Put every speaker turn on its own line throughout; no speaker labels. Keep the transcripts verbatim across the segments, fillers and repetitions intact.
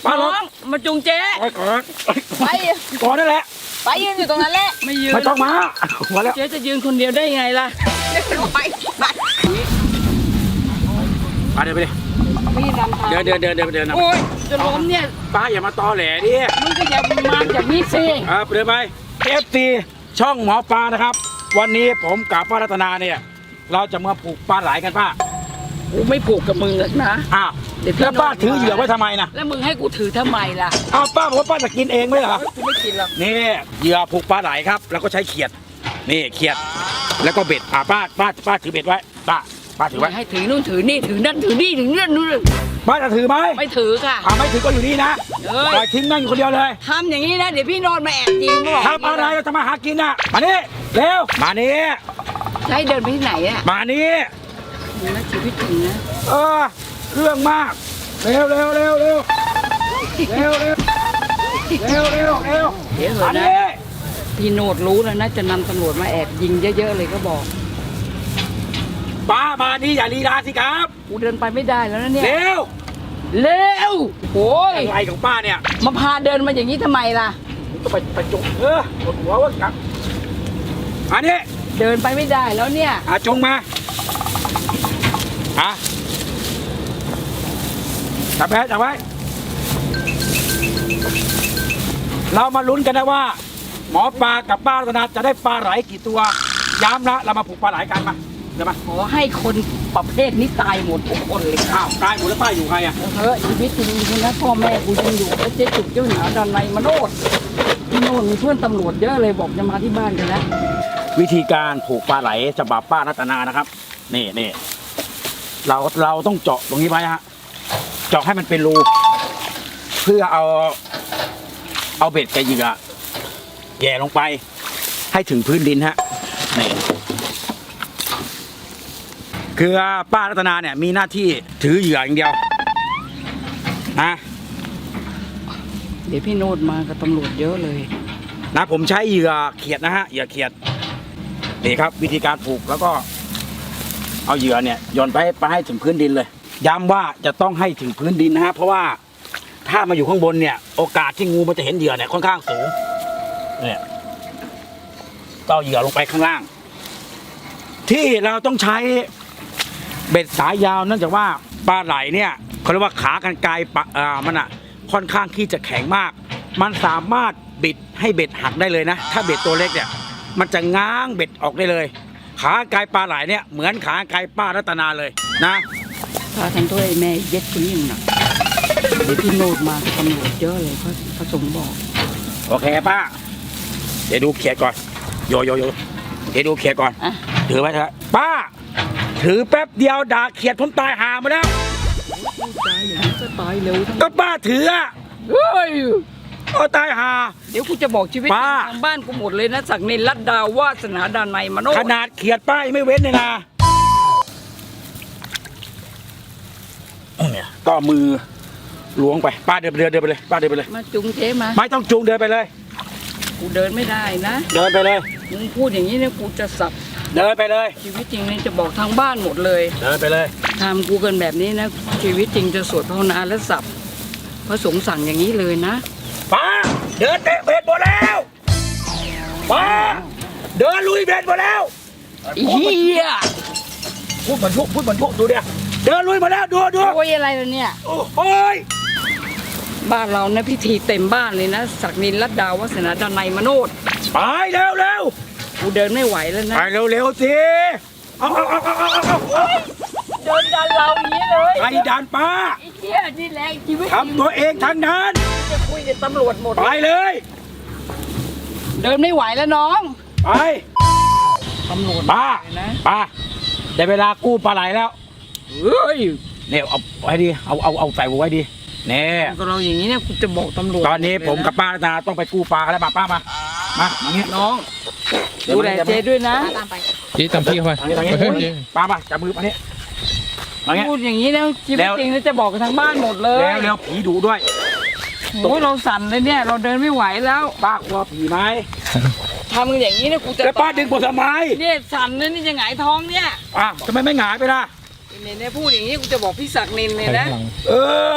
ป้าน้องมาจุงเจ๊
ไปก่อน
ไป
ก่อนนั่นแหละ
ไปยืนอยู่ตรงนั้นแหละ
ไม่ยืน
ไม่ต้องมาหัวแล้ว
เจ๊จะยืนคนเดียวได้ไงล่ะ
ไปไป
ป้าเดินไปดิ
ไม่นำทาง
เดินเดินเดินเดินเดิน
โอ้ยจะล้มเนี่ย
ป้าอย่ามาตอแหลดิ
มึงก็อย่ามาจากนี้สิ
อ่าเดินไปเอฟซีช่องหมอปลานะครับ วันนี้ผมกับป้ารัตนาเนี่ยเราจะมาปลูกปลาไหลกันป้า
กูไม่ผูกกับมึงหรอกนะ
อ้าว
เดี๋ยวพี่
แล้วป้าถือเหยื่อไว้ทำไมนะ
แล้วมึงให้กูถือทำไมล่ะ
อ้าวป้าบอกว่าป้าจะกินเองไหมเหรอ
กูไม่กินหรอก
นี่เหยื่อผูกปลาไหลครับ แล้วก็ใช้เขียดนี่เขียดแล้วก็เบ็ดอ่าป้าป้าป้าถือเบ็ดไว้ป้าป้าถือไว้
ให้ถือนู่นถือนี่ถือนั่นถือนี่ถือนั่นนู่น
ป้าจะถือไหม
ไม่ถือค่ะ
อ่าไม่ถือก็อยู่นี่นะ
เอ้ย
ปล่อยทิ้งนั่งอยู่คนเดียวเลย
ทำอย่างนี้นะเดี๋ยวพี่โนนมาแอบยิงบอก
ทำอะไรเราจะมาหากินน่ะมานี่เร็วมานี่
จะให้เดินไปที่ไหนอ่ะ
มานี่
มึงนะชีวิตจริงนะ
เออเรื่องมากเร็วเร็วเร็วเร็วเร็วเร็วเร็วเร็วเร็ว
เดี๋ยวเห
มา
อะนะ
นี่
พี่โนดรู้แล้วนะจะนำตำรวจมาแอบยิงเยอะๆเลยก็บอก
ป้ามานี่อย่าลีลาสิครับ
กูเดินไปไม่ได้แล้วนะเนี่ย
เร็ว
เร็วโอ้ย
อะไรของป้าเนี่ย
มาพาเดินมาอย่างนี้ทำไมล่ะ
ก็ไปไปจุกเออปวดหัววะครับมานี่
เดินไปไม่ได้แล้วเนี่ย
อาจงมาฮะจับแพ้จับไว้เรามาลุ้นกันนะว่า หมอปลากับป้ารัตนาจะได้ปลาไหลกี่ตัวย้ำนะเรามาผูกปลาไหลกันมาเดี๋ยวมา
ขอให้คนประเภทนี้ตายหมดทุกคนเลย
อ้าวตายหมดแล้วป้าอยู่ใครอ่ะ
เฮ้ยชีวิตจริงคุณนะพ่อแม่กูยังอยู่แล้วเจ๊จุกเจ้าหนาดันในมโนดพี่โนดมีเพื่อนตำรวจเยอะเลยบอกจะมาที่บ้านกันแล้ว
วิธีการผูกปลาไหลฉบับป้ารัตนานะครับนี่นี่เราเราต้องเจาะตรงนี้ไว้ฮะเจาะให้มันเป็นรูเพื่อเอาเอาเบ็ดกับเหยื่อแย่ลงไปให้ถึงพื้นดินฮะนี่คือป้ารัตนาเนี่ยมีหน้าที่ถือเหยื่ออย่างเดียวนะ
เดี๋ยวพี่โนดมากับตำรวจเยอะเลย
นะผมใช้เหยื่อเขียดนะฮะเหยื่อเขียดนี่ครับวิธีการผูกแล้วก็เอาเหยื่อเนี่ยโยนไปไปให้ถึงพื้นดินเลยย้ำว่าจะต้องให้ถึงพื้นดินนะฮะเพราะว่าถ้ามาอยู่ข้างบนเนี่ยโอกาสที่งูมันจะเห็นเหยื่อเนี่ยค่อนข้างสูงเนี่ยก็เอาเหยื่อลงไปข้างล่าง ที่เราต้องใช้เบ็ดสายยาวเนื่องจากว่าปลาไหลเนี่ยเขาเรียกว่าขากรรไกรปะอ่ามันอ่ะค่อนข้างที่จะแข็งมาก มันสามารถบิดให้เบ็ดหักได้เลยนะถ้าเบ็ดตัวเล็กเนี่ยมันจะง้างเบ็ดออกได้เลย ขากรรไกรปลาไหลเนี่ยเหมือนขากรรไกรป้ารัตนาเลยนะ
พาทำตัวไอ้แม่เย็ดคนนี้หนักเดี๋ยวพี่โนดมากับตำรวจเยอะเลยพระพระสงฆ์บอก
โอเคป้าเดี๋ยวดูเขียดก่อนโยโยโยเดี๋ยวดูเขียดก่อน
อ่ะ
ถือไว้เถอะป้า ถือแป๊บเดียวด่าเขียดผมตายหามาแล้ว
ตายอย่างนี้ก็ตายเร็วทั้ง
ก็ป้าถืออะ
เฮ้ย
ก็ตายหา
เดี๋ยวกูจะบอกชีวิต
ป้า
ทางบ้านกูหมดเลยนะศักดิ์นินรัตดาวาสนาดานในยมโน
ขนาดเขียดป้ายังไม่เว้นเลยนะเนี่ยก็มือล้วงไปป้าเดินไปเดินเดินไปเลยป้าเดินไปเลย
มาจุงเจ๊มา
ไม่ต้องจูงเดินไปเลย
กูเดินไม่ได้นะ
เดินไปเลย
มึงพูดอย่างนี้เนี่ยกูจะสับ
เดินไปเลย
ชีวิตจริงเนี่ยจะบอกทางบ้านหมดเลย
เดินไปเลย
ทำกูกันแบบนี้นะชีวิตจริงจะสวดภาวนาและสับพระสงฆ์สั่งอย่างนี้เลยนะ
ป้าเดินเตะเบ็ดหมดแล้วป้าเดินลุยเบ็ดหมดแล้ว
อีเหี้ย
พูดเหมือนพวกพูดเหมือนพวกดูเดียเดินลุยหมาแล้วดูดู
โอ้ยอะไรล่ะเนี่ย
โอ้ย
บ้านเรานะพิธีเต็มบ้านเลยนะศักดินรัตดาวัฒนาดานในยมโนด
ไปเร็วเร็ว
กูเดินไม่ไหวแล้วนะ
ไปเร็วเร็วสิเอาเอาเอาเอาเอาเอาเอา
เดินดันเราอย่างนี้เลย
ไอ้ดันป้า
ไอ้เหี้ยนี่แหละชีวิต
ทำตัวเองทั้งนั้น
จะคุยกับตำรวจหมด
ไปเลย
เดินไม่ไหวแล้วน้อง
ไป
ตำรวจ
ป้า
นะ
ป้าได้เวลากู้ปลาไหลแล้ว
เฮ้ย
เนี่ยเอาไว้ดีเอาเอาเอาใส่หัวไว้ดีเนี่ย
ก็เราอย่างนี้เนี่ยกูจะบอกตำรวจ
ตอนนี้ผมกับป้ารัตนาต้องไปกู้ปลาแล้วมาป้ามามามาเงี้ย
น้องดูแลเจด้วยนะ
ตามไป
จี้ตามพี่เข้าไป
ทางนี้ทางนี้
เฮ้ยเจ๊
ป้ามาจับมือมาเนี่ยมาเงี้ย
พูดอย่างนี้แล้วชีวิต
แล้ว
จริงแล้วจะบอกกับทางบ้านหมดเลย
แล้วแล้วผีดุด้วย
โอ้ยเราสั่นเลยเนี่ย เราเดินไม่ไหวแล้ว
ป้ากลัวผีไหม
ทำกันอย่างนี้เนี่ยกูจะ
แล้วป้าดึงผมทำไม
เนี่ยสั่นเลยนี่จะหงายท้องเนี่ย
อ้าวทำไมไม่หงายไปล่ะ
เนี่ยเนี่ยพูดอย่างนี้กูจะบอกพี่ศักดิ์นินเลย
ไป
นะ
ข้างหลัง
เออ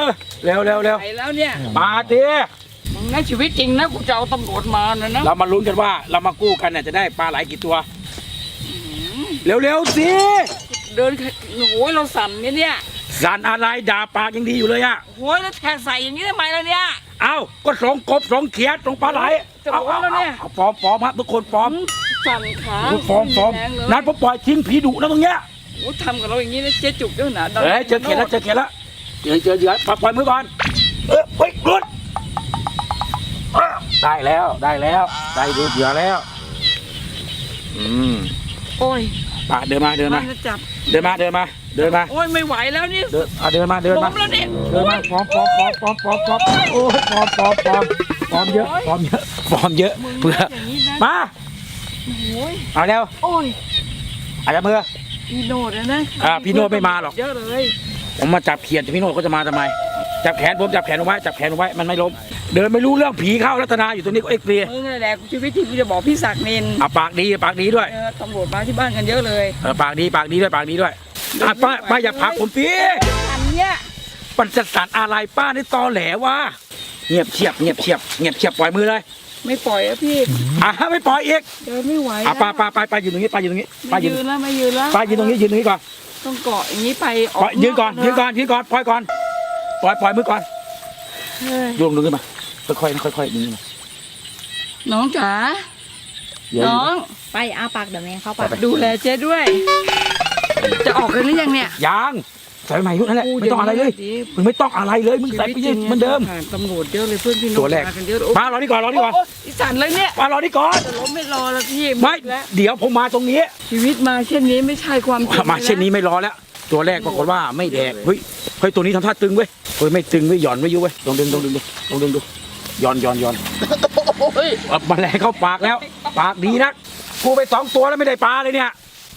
เร็วเร็วเร็ว
ไปแล้วเนี่ย
มาดิ
มึงในชีวิตจริงนะกูจะเอาตำรวจมานะนะ
เรามาลุ้นกันว่าเรามากู้กันเนี่ยจะได้ปลาไหลกี่ตัว เร็วเร็วสิ
เดินโอ้ยเราสั่นเนี่ยเนี่ย
สันอะไรด่าปากยังดีอยู่เลยอะ
โอ้ยแล้วแทงใส่อย่างนี้ทำไมล่ะเนี่ย
เอ้าก็สองกบสองเขียดสองปลาไหล
จะบอกแล้วเนี่ย
อาฟอร์มฟอร์มครับทุกคนฟอร์ม
สั่นขา
ฟอร์มฟอร์ม
แรงเลย
นั้นผมปล่อยทิ้งผีดุนะตรงเนี้ย
โอ้ยทำกับเราอย่างนี้นะเจ๊จุกเจ้าหนา
เฮ้ยเจอเขียดแล้วเจอเขียดแล้วเจอเจอเหยื่อปล่อยมือก่อนเออเฮ้ยหลุดเออได้แล้วได้แล้วได้ดูเหยื่อแล้วอืม
โอ้ย
ปะเดินมาเดินมา
จะจับ
เดินมาเดินมาเดินมา
โอ้ยไม่ไหวแล้วนี่
เดินอ่ะเดินมาเดิน
ล้
มาม
แล้วเนี่ย
เดินมาฟอร์มฟอร์มฟอร์มฟอร์มฟอร์มฟอร์มโอ้ยฟอร์มฟอร์มฟอร์มฟอร์มเยอะฟอร์มเยอะฟอร์มเยอะ
มึง
เพื่อ
อย่างนี้นะ
มา
โอ้ย
เอาเร็ว
โอ้ย
อาจจะมือ
พี่โนดนะ
อ่าพี่โนดไม่มาหรอก
เยอะเลย
ผมมาจับเขียดพี่โนดก็จะมาทำไมจับแขนผมจับแขนเอาไว้จับแขนเอาไว้มันไม่ล้มเดินไม่รู้เรื่องผีเข้ารัตนาอยู่ตรงนี้ก็เอ็กซ์เรย์
มึงนั่นแหละชีวิตที่กูจะบอกพี่ศักดิ์นิน
อ่ะปากดีปากดีด้วย
เออตำรวจมาที่บ้านกันเยอะเลย
เออปากดีปากดีด้วยปากดีด้วยอ่ะป้าป้าอย่าผลักผมพี่
อันเนี้ย
ปัญจสารอะไรป้านี่ตอแหลวะเงียบเฉียบเงียบเฉียบเงียบเฉียบปล่อยมือเลย
ไม่ปล่อยอะพี่
อ่ะไม่ปล่อยอีก
เดินไม่ไหว
อ่ะป้าป้าป้าป้ายืนตรงนี้ป้ายืนตรงนี้ป้า
ไม่
ยืน
ยืนแล้วไม่ยืนแล้ว
ป้ายืนตรงนี้ยืนตรงนี้ก่อน
ต้องเกาะอย่างนี้ไปอ
ปล่
อ
อก ยยืนก่อนยืนก่อนยืนก่อนปล่อยก่อนปล่อยปล่อยมือก่อน
เฮ้ย
โยงดึงขึ้นมาค่อยๆค่อยๆดึงขึ้นมา
น้องจ๋า
เดี๋ยว
น้อง
ไปอาปากเดี๋ยวแม่เข้าปาก
ดูแลเจ๊ด้วย จะออกกันหรือยังเนี่ย
ยังใส่ใหม่ยุคนั้นแหละไม่ต้องอะไรเลยมึงไม่ต้องอะไรเลยมึงใส่ไปยืนเหมือนเดิม
ผ่านตำรวจเยอะเลยเพื่อนพี่น้อง
ตัวแรก
มากันเยอะ
มารอนี่ก่อนรอนี่ก่อน
โอีสันเลยเนี่ย
มารอนี่ก่อน
จะล้มไม่รอแล้วพี่
ไม่
แล้ว
เดี๋ยวผมมาตรงนี้
ชีวิตมาเช่นนี้ไม่ใช่ความจริง
มาเช่นนี้ไม่รอแล้ว ตัวแรกปรากฏว่าไม่แดกเฮ้ยเฮ้ยตัวนี้ทำท่าตึงเว้ยเฮ้ยไม่ตึงไม่หย่อนไม่ยุ้ยเว้ยลองดึงลองดึงดูลองดึงดูหย่อนหย่อนหย่อน
เฮ้ย
เอาแมลงเข้าปากแล้ว ปากดีนักกูไปสองตัวแล้วไม่ได้ปลาเลยเนี่ย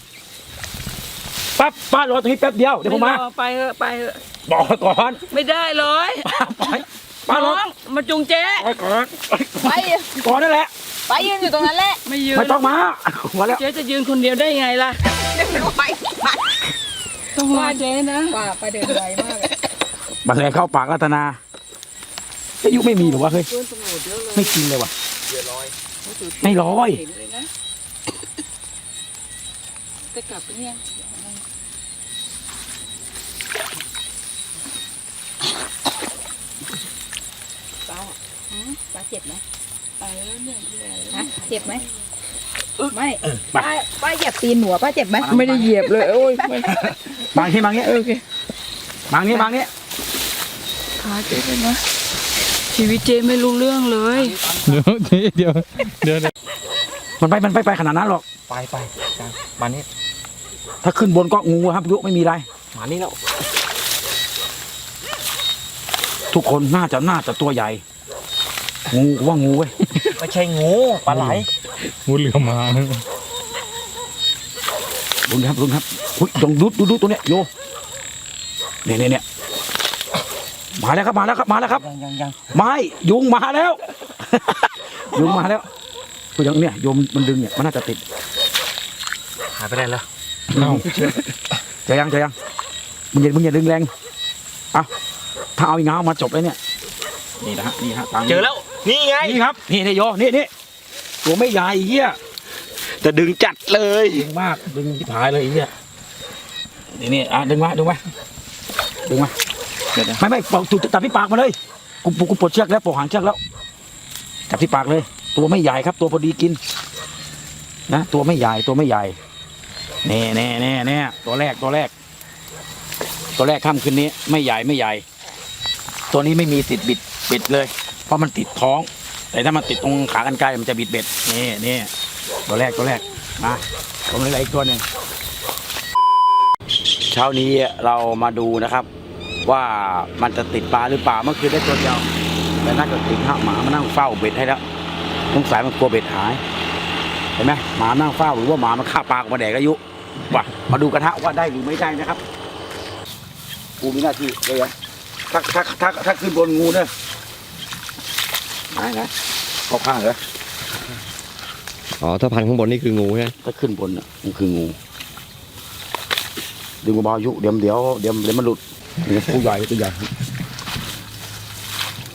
ปั๊บป้ารอตรงนี้แป๊บเดียวเดี๋ยวผมมา
ไรอไปเถอะไปเถอะ
บอกก่อน
ไม่ได้เลย
ป้าปล่อยป้าร
น้
อ
องมาจุงเจ๊
ปล่อยก่อน
ไป
ก่อนนั่นแหละ
ไปยืนอยู่ตรงนั้นแหละ
ไม่ยืน
ไม่ต้องมามาแล้ว
เจ๊จะยืนคนเดียวได้ไงล่ะ
ไปไป
ต้องมาเจ๊นะ
ว่าไปเดินไวมากเลย
แมลงเข้าปากรัตนาอายุไม่มีหรอวะเฮ้ย
เพื่อนตำรวจเยอะเลย
ไม่จริงเลยว่ะไม่ร้อย
เห็นเลยนะจะกลับหรือยัง
ป้าป้าเจ็บไหม
ไปแล้วเนี่ยพี่แหวน
ฮะเจ็บไหมไม่
ไป
ป้าป้าเหยียบตีนหนูป้าเจ็บไหม
ไม่ได้เหยียบเลยโอ้ยไม่
บางที่บางนี้
โอเค
บางนี้บางนี้
ขาเจ๊ไปนะชีวิตเจ๊ไม่รู้เรื่องเลย
เดี๋ยวเดี๋ยวเดี๋ยวเดี๋ยว
มันไปมันไปไปขนาดนั้นหรอก
ไปไปจังมานี่
ถ้าขึ้นบนก็งูครับยุไม่มีอะไร
มานี่แล้ว
ทุกคนน่าจะน่าจะตัวใหญ่ งูกูว่างูเว้ย
ไม่ใช่งูปลาไหลงูเหลือมมา
ลุงครับลุงครับอุ้ยลองดูดูดูตัวเนี้ยโยเนี่ยเนี่ยเนี่ยมาแล้วครับมาแล้วครับมาแล้วครับ
ยังยังยัง
ไม่ยุงมาแล้ว ยุงมาแล้วคือยังเนี่ยโยมมันดึงเนี่ยมันน่าจะติด
หายไปได้แล้ว
เอ้าจะยังจะยังมึงอย่ามึงอย่าดึงแรงเอาถ้าเอาอีกง้าวมาจบเลยเนี่ยนี่นะฮะนี่ฮะตามนี้
เจอแล้วนี่ไง
นี่ครับนี่นี่โยนี่นี่ตัวไม่ใหญ่เหี้ย
จะดึงจัดเลย
ดึงมากดึงที่ผายเลยไอ้เหี้ยนี่นี่อ่ะดึงมาดึงมาดึงมา
เดี๋ยวเดี๋ยว
ไม่ไม่ปอกถูกจับที่ปากมาเลยกูกูกูปลดเชือกแล้วปลดหางเชือกแล้วจับที่ปากเลย ตัวไม่ใหญ่ครับ ตัวพอดีกินนะตัวไม่ใหญ่ตัวไม่ใหญ่แน่แน่แน่แน่ตัวแรกตัวแรก ตัวแรกค่ำคืนนี้ไม่ใหญ่ไม่ใหญ่ ตัวนี้ไม่มีติดบิดบิดเลย เพราะมันติดท้อง แต่ถ้ามันติดตรงขากรรไกรมันจะบิดเบ็ดนี่นี่ตัวแรกตัวแรกมาตรงนี้อะไรอีกตัวหนึ่งเช้านี้เรามาดูนะครับ ว่ามันจะติดปลาหรือเปล่าเมื่อคืนได้ตัวเดียวแต่น่าจะติดห้าหมามานั่งเฝ้าเบ็ดให้แล้วสงสัยมันกลัวเบ็ดหายเห็นไหมหมานั่งเฝ้าหรือว่าหมามันฆ่าปลาออกมาแดกอายุว่ะมาดูกระทะว่าได้หรือไม่ได้นะครับกูมีหน้าที่เลยนะถ้าถ้าถ้าถ้าขึ้นบนงูเนี่ยได้นะเข้าข้างเหรอ
อ๋อถ้าพันข้างบนนี่คืองูใช่ไหม
ถ้าขึ้นบนน่ะมันคืองูดึงเบาๆอายุเดี๋ยวเดี๋ยวเดี๋ยวเดี๋ยวมันหลุดนี่ตัวใหญ่ตัวใหญ่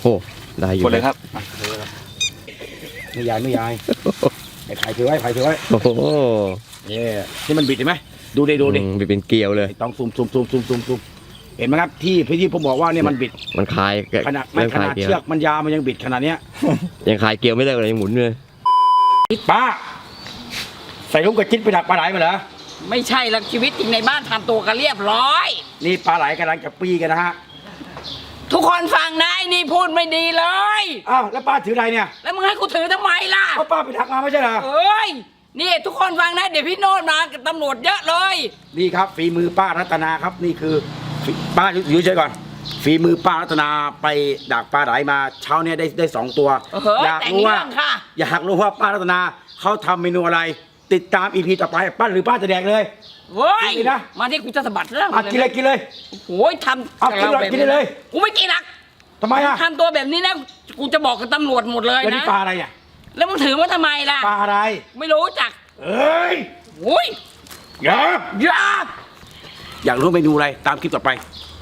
โอ้ได้อยู่
กดเลยครับ
ไม่ยายไม่ยายไอ้ไผ่ถือไว้ไผ่ถือไว้
โอ้โห
เนี่ยที่มันบิดเห็นไหมดูดิดูดิ
อืมเป็นเกลียวเลย
ต้องซูมซูมซูมซูมซูมซูมเห็นไหมครับที่พี่ที่ผมบอกว่าเนี่ยมันบิด
มันคลาย
ขนาดไม่
เริ่ม
ข
คลาย
นาด
เกลียว
เชือกมันยาวมันยังบิดขนาดเนี้ย
ยังคลายเกลียวไม่ได้เลยยังหมุนเลย
ป้าใส่ลูกกระจิ๊ดไปดักปลาไหลมาเหรอ
ไม่ใช่หลักชีวิตจริงในบ้านทำตัวกันเรียบร้อย
นี่ปลาไหลกำลังจะปีกันนะฮะ
ทุกคนฟังนะไอ้นี่พูดไม่ดีเลย
อ้าวแล้วป้าถืออะไรเนี่ย
แล้วมึงให้กูถือทำไมล่ะ
ก็ป้าไปดักมาไม่ใช่เหรอ
เอ้ยนี่ทุกคนฟังนะเดี๋ยวพี่โนดมากับตำรวจเยอะเลย
นี่ครับฝีมือป้ารัตนาครับนี่คือฝีป้าอยู่เฉยๆก่อนฝีมือป้ารัตนาไปดักปลาไหลมาเช้าเนี้ยได้ได้สองตัว
เออ
อยาก
แต่ง
รู้ว่า
เรื่องค่ะ
อยากรู้ว่าป้ารัตนาเขาทำเมนูอะไร ติดตามอีพีต่อไปป้าหรือป้าจะแดกเลย
เว้ย
กินนะ
มาที่กูจะสะบัดเรื่อง
อ่ะกินเลยกินเลย
โอ้ยทำ
เอากินเลย
แบบ
กินได้เลย
กูไม่กินหรอก
ทำไมอ่ะ
ทำตัวแบบนี้นะกูจะบอกกับตำรวจหมดเลย
แล้วนี่
นะ
ปลาอะไรอ่ะ
แล้วมึงถือมาทำไมล่ะ
ปลาอะไร
ไม่รู้จัก
เอ้ย
โอ้ย
อย่า
อย่า
อยากรู้เมนูอะไรตามคลิปต่อไป